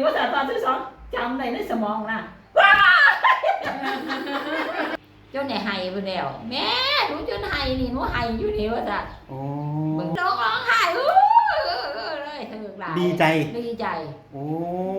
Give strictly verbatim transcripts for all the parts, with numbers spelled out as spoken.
ภาษาตอนที่สองจำได้ในสมองนะว้าจนไหนไห้ไปแล้วแม่หนูจนไห้นี่หนูไห้อยู่นี่ว่าจ้ะโอ้ร้องร้องไห้เออเลยเถิดหลายดีใจดีใจโอ้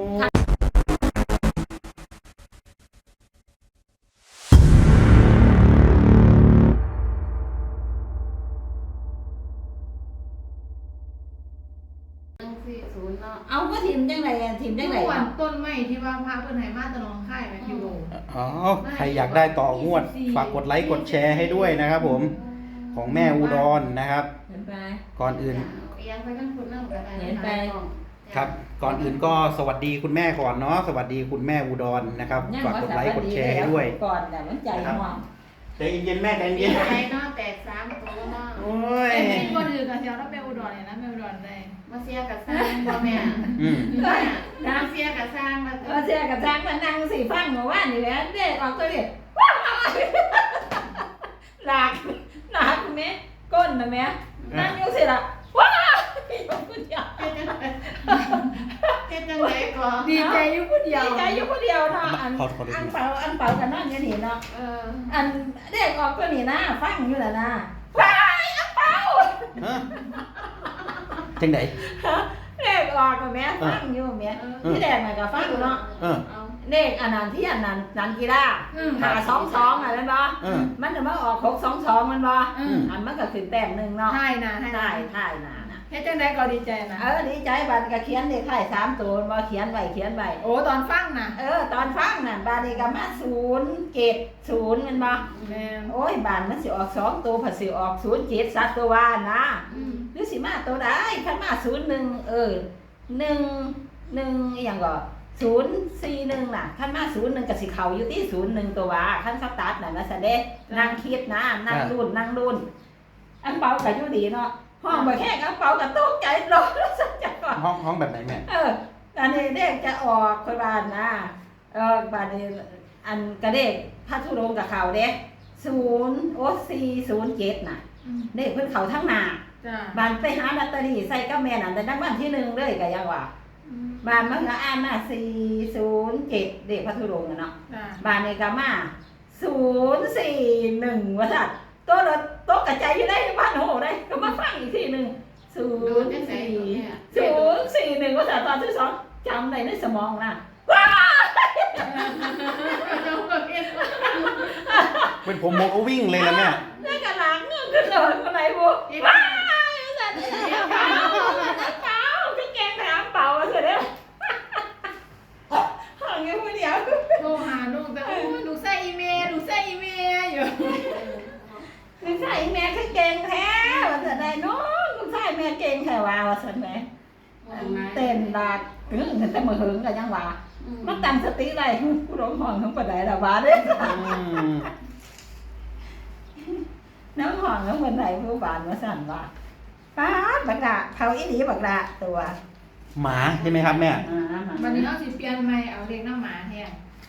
เอาก็ทีมจังไรทีมจังไรต้นไม้ที่ว่าพระเพื่อนให้มาตะนองค่ายไหมคิวโลอ๋อใครอยากได้ต่องวดฝากกดไลค์กดแชร์ให้ด้วยนะครับผมของแม่อุดรนะครับก่อนอื่นเห็นไปครับก่อนอื่นก็สวัสดีคุณแม่ก่อนเนาะสวัสดีคุณแม่อุดรนะครับฝากกดไลค์กดแชร์ให้ด้วยก่อนแต่มันใจห่วงใจเย็นแม่ใจเย็นใจเนาะแตกสามตัวเนาะโอ้ยแต่มีคนอื่นกับเชียวถ้าแม่อุดรเนี่ยนะแม่อุดรได้มาเสียกับสร้างพ่อแม่อืมมาเสียกับสร้างมามาเสียกับสร้างมานั่งสี่ฟังมาว่านี่แหละเด็กออกตัวเด็กว้าวหลักหลักแม่ก้นนะแม่นั่งอยู่สิล่ะว้าวอยู่คนเดียวเฮ็ดจังได๋ก่อนดีใจอยู่คนเดียวดีใจอยู่คนเดียวเนาะอันอันเปาอันเปากันนั่นนี่เนาะเอออันเด็กออกตัวนี้นะฟังอยู่ล่ะนะว้ายอันเปาจังได๋เด็กออกกับแม่ฟังอยู่แม่ที่แดกน่ะก็ฟังอยู่เนาะเด็กอันนั้นที่อันนั้นนันกีฬาหาสองสองอะไรบ่มันจะมาออกหกสองสองมันบ่อันมันก็ขึ้นแต้มหนึ่งเนาะใช่นะใช่ใช่นะเฮ็ดจังได๋ก็ดีใจนะเออดีใจบัดก็เขียนเลขท้ายสามตัวบ่เขียนไว้เขียนไว้โอ้ตอนฟังน่ะเออตอนฟังน่ะบาดนี้ก็มาศูนย์เจ็ดศูนย์มันบ่แม่นโอ้ยบาดมันสิออกสองตัวผัดสิออกศูนย์เจ็ดสัตว์ตัวว่านะหรือสิมาตัวใดคันมาศูนย์หนึ่งเออหนึ่ง หนึ่งอีหยังก็ศูนย์สี่หนึ่งน่ะคันมาศูนย์หนึ่งก็สิเข้าอยู่ที่ศูนย์หนึ่งตัวว่าคันสตาร์ทน่ะนะซะเด้นั่งคิดนะนั่งรุ่นนั่งรุ่นอันเปาก็อยู่ดีเนาะห้องบ่แค่อันเปาก็ตกใจรอสักจักก่อนห้องห้องแบบไหนแม่เอออันนี้เด็กจะออกค่อยบานนะเออบานนี้อันกระเด็กพระธุดงค์กับเขาเด้ศูนย์โอ้สี่ศูนย์เจ็ดน่ะเด็กเพิ่นเขาทั้งหน้าบานไปหาลอตเตอรี่ใส่กับแม่นั่นแต่นักบ้านที่หนึ่งเลยก็ยังว่าบานมันก็อ่านมาสี่ศูนย์เจ็ดเด็กพระธุดงค์เนาะบานนี้ก็มาศูนย์สี่หนึ่งว่าซั่นตัวรถตกกระจายอยู่ได้บ้านโหได้ก็มาฟังอีกทีหนึ่งศูนย์สี่ศูนย์สี่หนึ่งว่าซั่นตอนที่สองจำได้ในสมองนะว้าเป็นผมโมก็วิ่งเลยนะแม่นี่กระหลังเงื่อนขึ้นเลยคนไหนบุว้าสัตว์เนี่ยเปล่าเปล่าพี่แกงถามเปล่ามาเถอะเด้อห่างอยู่คนเดียวโทรหาลูกแต่โอ้หนูใส่อีเมลหนูใส่อีเมลอยู่ลูกชายแม่คือเก่งแท้ว่าจะได้น้องลูกชายแม่เก่งแท้ว่าว่าสันแม่เต้นดาดถึงแต่มือหึงกันยังว่ามันตั้งสติได้ผู้ร้องห้องทั้งประเดี๋ยวว่าเด้น้องห้องทั้งวันไหนผู้บานมาสั่นว่าป้าบักดาเขาอีดีบักดาตัวหมาใช่ไหมครับแม่วันนี้เราสิเปลี่ยนใหม่เอาเรียกน้าหมาแทน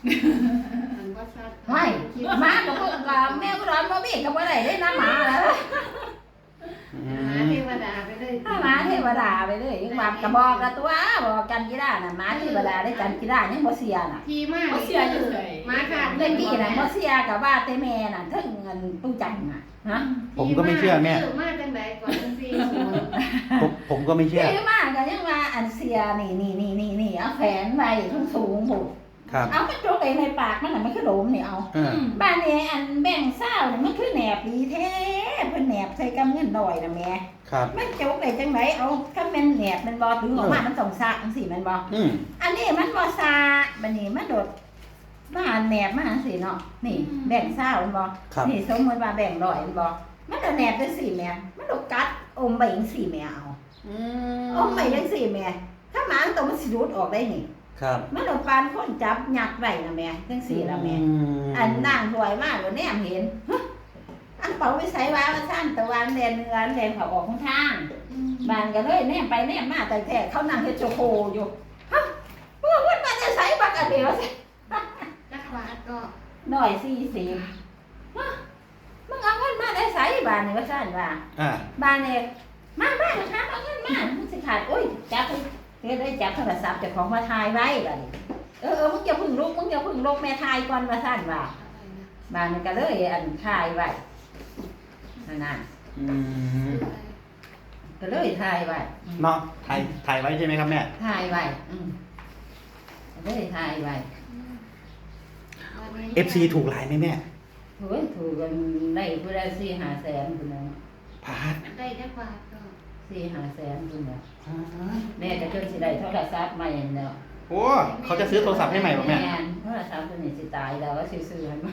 ไม่หมากับพวกกับแม่ก็ร้อนบ่มีกับบ่ได้ได้น้ำหมาแล้วหมาเทวดาไปเลยหมาเทวดาไปเลยยังว่ากระบอกกระตัวบอกกันกีฬาน่ะหมาเทวดาได้กันกีฬายังบ่เสียน่ะทีมากบ่เสียอยู่หมาขาดเล่นกี้น่ะบ่เสียกับว่าแต่แม่น่ะถึงเงินตู้จังน่ะฮะผมก็ไม่เชื่อแม่มาจังได๋ก่อนจังซี่ผมผมก็ไม่เชื่อมากก็ยังว่าอันเสียนี่นี่ๆๆๆเอาแขวนไว้สูงๆพุ่นเอามันโจกในปากมันน่ะมันคือโดมนี่เอาบ้านนี้อันแบ่งเศร้าเนี่ยมันคือแหนบดีแท้เพิ่นแหนบใส่กำเงินดอยน่ะแม่มันโจกได้จังไดเอาคันแม่นแหนบมันบ่ถึงออกมามันต้องซะจังซี่แม่นบ่อันนี้มันบ่ซะบัดนี้มันโดดมาแหนบมาจังซี่เนาะนี่แบ่งเศร้ามันบ่นี่สมมุติว่าแบ่งดอยมันบ่มันโดดแหนบจังซี่แม่มันโดดกัดอมไปจังซี่แม่เอาอืออมไปจังซี่แม่ถ้าหมาตัวมันสิดูดออกได้นี่ครับมันเอาปานคนจับหยักไว้นะแม่จังซี่ล่ะแม่อันนางรวยมากบ่แนมเห็นอันเป๋าไปใส่ว่าว่าซั่นตะวันแดนเนื้อแดนเขาออกทางบ้านก็เลยแนมไปแนมมาแต่แท้เขานั่งเฮ็ดโชโคอยู่ฮะเมื่อวันมาจะใส่บักอันเดียวสิจักบาทก็น้อยสี่สิบฮะมึงเอาเงินมาได้ใส่บ้านนี่ว่าซั่นว่าอ่าบ้านนี่มาบ้านถามเอาเงินมามึงสิขาดโอ้ยจับไปก็ได้จับโทรศัพท์เจ้าของมาถ่ายไว้บัดนี้เออเออมึงอย่าพึ่งลุกมึงอย่าพึ่งลุกแม่ถ่ายก่อนว่าซั่นว่าบ้านมันก็เลยอันถ่ายไว้นั่นน่ะอืมก็เลยถ่ายไว้เนาะถ่ายถ่ายไว้ใช่ไหมครับแม่ถ่ายไว้อืมก็เลยถ่ายไว้เอฟซีถูกหลายไหมแม่โอ้ยถูกกันได้ผู้ได้สี่ห้าแสนคนนึงพาดได้จักบาทก็สี่ห้าแสนคนนึงแม่ก็จนสิได้โทรศัพท์ใหม่แล้วโอ้เขาจะซื้อโทรศัพท์ให้ใหม่ป่ะแม่นโทรศัพท์ตัวนี้สิตายแล้วว่าสิซื้อให้ใหม่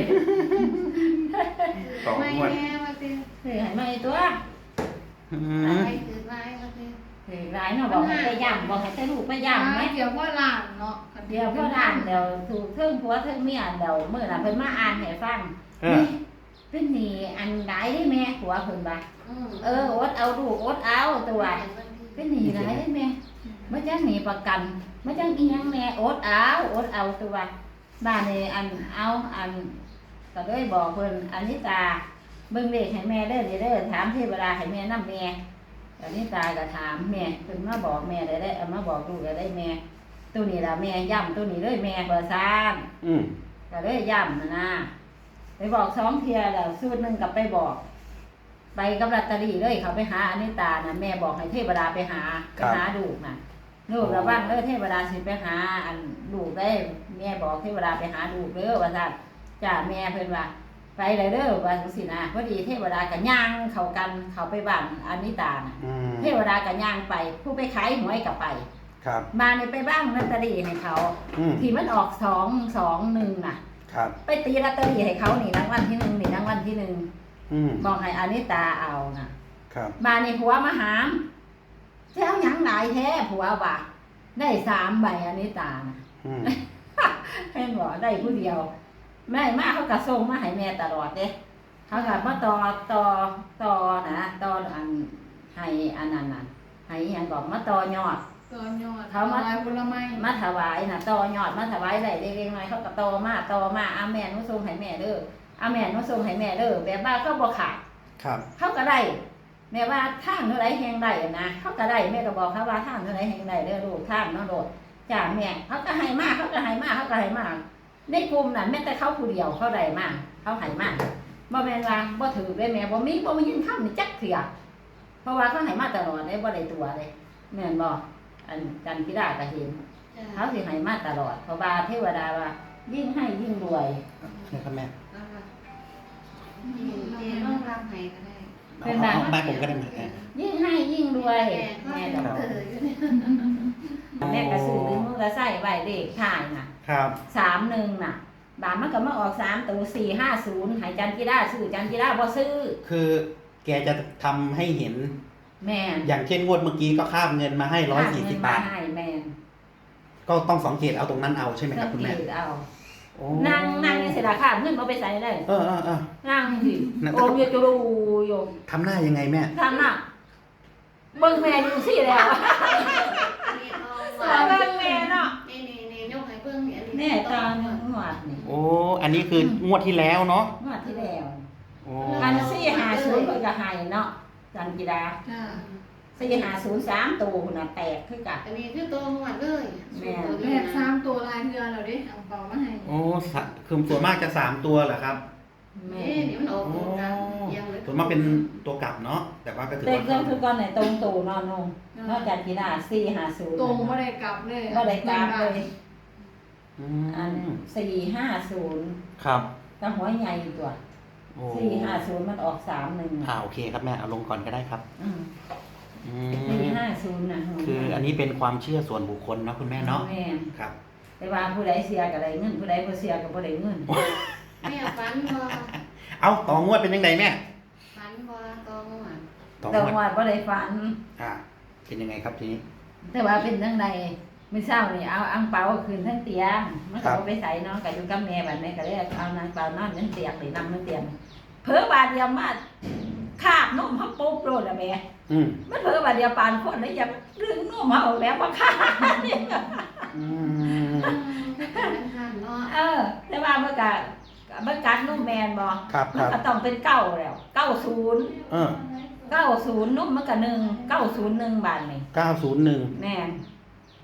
ต่อไม่งวดแน่ว่าสิซื้อให้ใหม่ตัวอืมอะไรคือไว้ว่าสิซื้อหลายเนาะบอกให้ไปย่ำบอกให้ไปลูกไปย่ำไหมเดี๋ยวพ่อหลานเนาะเดี๋ยวพ่อด่านเดี๋ยวถูกเทิงผัวเทิงเมียเดี๋ยวเมื่อน่ะเพิ่นมาอ่านให้ฟังเออเป็นหนี่อันใดได้แม่ผัวเพิ่นว่าอืมเอออดเอาลูกอดเอาตัวเป็นหนี่หลายได้แม่มาจังหนีประกันมาจังอีหยังแม่อดเอาอดเอาตัวบ้านนี่อันเอาอันก็เลยบอกเพิ่นอันนี้ตาเบิ่งเลขให้แม่เด้อเด้อถามเทวดาให้แม่นำแม่อันนี้ตาก็ถามแม่เพิ่นมาบอกแม่ได้ได้เอามาบอกลูกได้ได้แม่ตัวนี้ล่ะแม่ย่ำตัวนี้เลยแม่เบอร์สามอืมก็เลยย่ำนะนะไปบอกสองเทียแล้วสูตรหนึ่งกับไปบอก ไปกับลอตเตอรี่เลยเขาไปหาอนิตานะแม่บอกให้เทวดาไปหาไปหาดูกนะลูกระวังเด้อเทวดาสิไปหาอันดูกได้แม่บอกเทวดาไปหาดูกเด้อว่าซั่นจ้าแม่เพิ่นว่า ไปเลยเด้อว่าจังซี่นะพอดีเทวดาก็ย่างเข้ากันเข้าไปบ้านอนิตานะอืมเทวดาก็ย่างไป ผู้ไปขายหวยก็ไปครับมาเนี่ยไปบ้างลอตเตอรี่ให้เขาอืมที่มันออกสองสองหนึ่งน่ะครับไปตีลอตเตอรี่ให้เขานี่รางวัลที่หนึ่งนี่รางวัลที่หนึ่งอืมบอกให้อานิตาเอานะครับ มาในผัวมาหามเจ้าหยังหลายแท้ผัวว่าได้สามใบอานิตานะอืมเห็นบอกได้ผู้เดียวแม่มาเขากระส่งมาให้แม่ตลอดเด้เขากับมาต่อต่อต่อนะต่ออันให้อันนั้นน่ะให้อหยังก่อนมาต่อยอดตัวยอดเขามาลายผลไม้มาถวายน่ะต่อยอดมาถวายได้เล็กๆน้อยๆเขาก็ต่อมาต่อมาอาแม่หนุส่งให้แม่เด้ออาแม่หนุส่งให้แม่เด้อแบบว่าเขาบ่ขาดครับเขาก็ได้แม่ว่าทางเท่าไรแหงได้นะเขาก็ได้แม่ก็บอกเขาว่าทางเท่าไรแหงได้เด้อลูกทางเนาะโดดจ้าแม่เขาก็ให้มากเขาก็ให้มากเขาก็ให้มากในกลุ่มนั้นแม้แต่เขาผู้เดียวเขาได้มากเขาให้มากบ่แม่นว่าบ่ถือได้แม่บ่มีบ่มียินคำนี่จักเถื่อเพราะว่าเขาให้มาตลอดได้บ่ได้ตัวเลยแม่นบ่อันกันพิดาก็เห็นจ้ะเขาสิให้มาตลอดเพราะว่าเทวดาว่ายิ่งให้ยิ่งรวยนี่ครับแม่เอาล่ะเจ๊ต้องรับให้ก็ได้เป็นเอาแบบเอาบ้านผมก็ได้ไหมแม่ยิ่งให้ยิ่งรวยแม่แม่ก็ดอกเอออยู่เนี่ยแม่กระสือหรือมือกระใส่ใบเลขถ่ายน่ะครับสามหนึ่งน่ะ บาทมันก็มาออกสามตัวสี่ห้าศูนย์หายจันกีฬาซื้อจันกีฬาบ่ซื้อคือแกจะทำให้เห็นแม่นอย่างเช่นงวดเมื่อกี้ก็คาบเงินมาให้ร้อยสี่สิบบาทเงินมให้แม่นก็ต้องสังเกตเอาตรงนั้นเอาใช่ไหมครับคุณแม่สังเกตเอาโอ้นั่งนั่งนี่เสียราคาเงินเอาไปใส่ได้เออเออเออนั่งสินั่นโอมอยจูรูโยมทำหน้ายังไงแม่ทำน่ะเบิ่งแม่ดูสิแล้วอันนี้เอาสวยเบิ่งแม่เนาะนี่นี่นี่ยกให้เบิ่งนี่อันนี้แน่ตาหนึ่งหวดนี่โอ้อันนี้คืองวดที่แล้วเนาะหวดที่แล้วโอ้อันสี่ห้าศูนย์เพิ่นก็ให้เนาะจันกีฬาจ้ะสี่ห้าศูนย์สามตัวหุ่นน่ะแตกคือกันอันนี้คือตัวหมวดเลยแม่ตัวแบนี้บนะสามตัวลายเรือเหราดิเอาเปล่ามาให้โอ้สะคือส่วนมากจะสามตัวเหรอครับแม่นี่นี่มันออกตัวกันยังเลยส่วนมากเป็นตัวกลับเนาะแต่ว่าก็ถือแต่ว่าเครื่องคือก่อนไหนตรงตัวนอนนงนอกจากกีฬาสี่ห้าศูนย์ตรงไม่ได้กลับเลยก็ได้กราฟเลยอือันมสี่ห้าศูนย์ครับก็หัวใหญ่ตัวโอ้สี่ห้าศูนย์มันออกสามหนึ่งอ่าโอเคครับแม่เอาลงก่อนก็ได้ครับอืมอืสี่มห้าศูนย์นะหัวคืออันนี้เป็นความเชื่อส่วนบุคคลเนาะคุณแม่เนาะแม่ครับแต่ว่าผู้ใดเสียก็ได้เงินผู้ใดบ่เสียก็บ่ได้เงินแม่ฝันบ่เอาต่องวดเป็นยังไงแม่ฝันบ่ตัวหมวดต่องแต่วดว่าบ่ได้ฝันอ่าเป็นยังไงครับทีนี้แต่ว่าเป็นจังไดมื้อเช้านี่เอาอังเปาขึ้นทั้งเตียงมันก็บ่ไปใส่เนาะก็อยู่กับแม่บัดนี้ก็เลยเอานางเปานอนทั้งเตียงนี่นำทั้งเตียงเผลอบาดเดียวมาคาบนมเฮาปุ๊บโลดอะแม่อืมมันเผลอบาดเดียวปานคนเลยอย่าดึงนมเฮาแล้วมาคาบเนี่ยอืมอืมเป็นทางเนาะเออ แต่ว่ามันก็มันกัดนมแมนบ่ครับคมันรับก็ต้องเป็นเก้าแล้วเก้าศูนย์เออเก้าศูนย์นมมันก็หนึ่งเก้าศูนย์หนึ่งบาทนี่เก้าศูนย์หนึ่งแม่น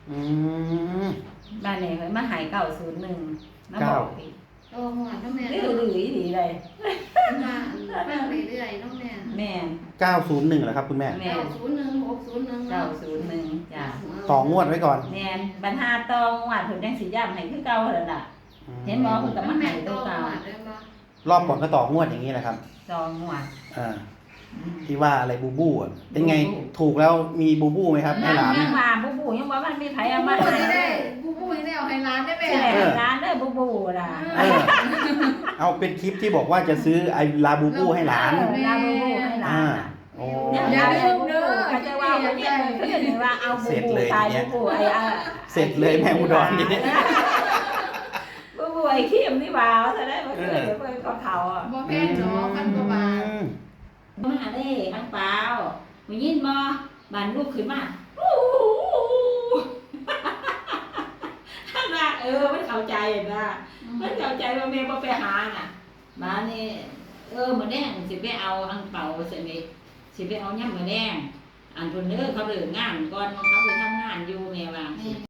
อืมบ้านนี้เพิ่นมาหายเก้าศูนย์หนึ่งมาบอกอีกโตหัวน้องแม่ดื้อดื้อดีเลยมาฟังเรื่อยๆน้องแม่แม่นเก้าศูนย์หนึ่งเหรอครับคุณแม่แม่เก้าน ศูนย์หนึ่งหกศูนย์หนึ่งเก้าศูนย์หนึ่งจ้ะต่องวดไว้ก่อนแม่นบรรหาตองหวดเพิ่นยังสิย่ำให้คือเก่าแล้วล่ะ เห็นบ่เพิ่นก็มาให้ตัวเก่ารอบก่อนก็ต่องวดอย่างนี้แหละครับจองหวดอ่า ที่ว่าอะไรบูบูอ่ะ เป็นไงถูกแล้วมีบูบูไหมครับให้หลานยังว่าบูบูยังว่ามันมีไผเอามาผู้ให้ที่เลได้ยผู้ผู้ที่ได้เอาให้ร้านได้ไหมใช่ร้านเด้อบูบูล่ะเออ เอาเป็นคลิปที่บอกว่าจะซื้อไอ้ลาบูบูให้หลานลาบูบูให้หลาอ่านน่ะโอ้อย่าลืมเด้อก็จะว่าเพิ่นเนี่ยเพิ่นว่าเอาบูบูตายบูบูไอ้อะเสร็จเลยแม่อุดรนี่บูบูไอ้ขี้มนี่ว่าซะได้บ่เคยเพิ่นก็เขาอ่ะบ่แพงเนาะพันกว่าบาทมาเด้อังเปล่ามึงยินบ่บานลูกขึ้นมาท่านว่าเออมันเข้าใจนะมันเข้าใจว่าแม่บ่ไปหาน่ะบ้านนี้เออมื้อแดงสิไปเอาอังเปาสิไปสิไปเอายำมื้อแดงอันเพิ่นเด้อเขาเลิกงานก่อนเขาไปทำงานอยู่แม่ว่า